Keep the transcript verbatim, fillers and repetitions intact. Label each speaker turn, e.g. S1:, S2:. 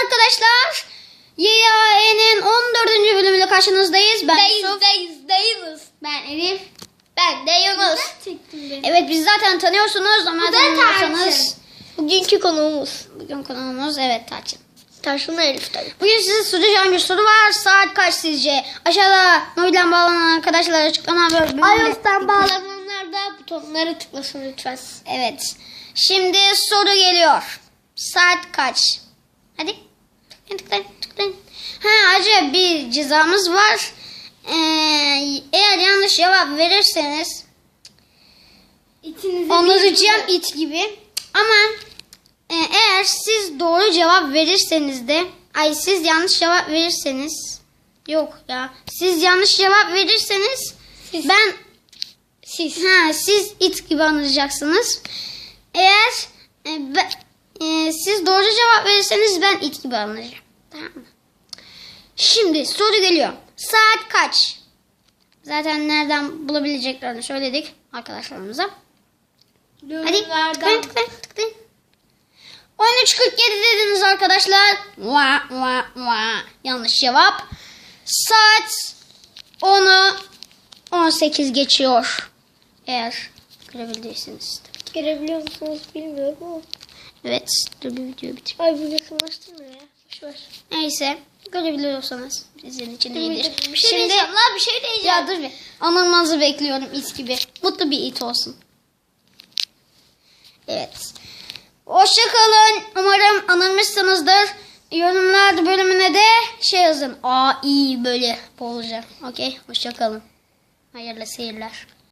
S1: arkadaşlar. Y A E'nin on dördüncü bölümüyle karşınızdayız. Ben
S2: Dayız,
S1: Yusuf.
S2: dayız, dayız.
S1: Ben Elif.
S2: Ben de Yunus.
S1: Evet, bizi zaten tanıyorsunuz ama
S2: Bu da
S1: tanımıyorsanız.
S2: Tarçın. Bugünkü konuğumuz.
S1: Bugün konuğumuz evet Tarçın.
S2: Tarçın'la Elif tabii.
S1: Bugün size soracağım bir soru var. Saat kaç sizce? Aşağıda mobilden bağlanan arkadaşlar açıklama bölümünde.
S2: iOS'tan bağlananlar da butonlara tıklasın lütfen.
S1: Evet. Şimdi soru geliyor. Saat kaç? Hadi. Tıklayın tıklayın tıklayın. Ha, ayrıca bir cezamız var. Ee, eğer yanlış cevap verirseniz
S2: İçinizi
S1: onaracağım it gibi. Ama e, eğer siz doğru cevap verirseniz de ay siz yanlış cevap verirseniz yok ya. Siz yanlış cevap verirseniz
S2: Siz.
S1: ben
S2: Siz.
S1: ha siz it gibi anlayacaksınız. Eğer e, be- e, siz doğru cevap verirseniz ben it gibi anlayacağım. Tamam mı? Şimdi soru geliyor. Saat kaç? Zaten nereden bulabileceklerini söyledik arkadaşlarımıza. Hadi
S2: Yorumlardan.
S1: tıklayın tıklayın tıklayın. on üç kırk yedi dediniz arkadaşlar. Vaa, vaa, vaa. Yanlış cevap. Saat onu on sekiz geçiyor. Eğer görebildiyseniz.
S2: Görebiliyor musunuz bilmiyorum ama.
S1: Evet. Dur bir video bitir.
S2: Ay bu yakınlaştırmıyor ya. Boşver.
S1: Neyse. Görebiliyorsanız sizin için iyidir.
S2: Bir şey
S1: Şimdi
S2: diyeceğim la bir şey diyeceğim.
S1: ya dur bir. Anılmanızı bekliyorum it gibi. Mutlu bir it olsun. Evet. Hoşçakalın. Umarım anılmışsınızdır. Yorumlar bölümüne de şey yazın. A iyi böyle bolca. Okey. Hoşçakalın. Hayırlı seyirler.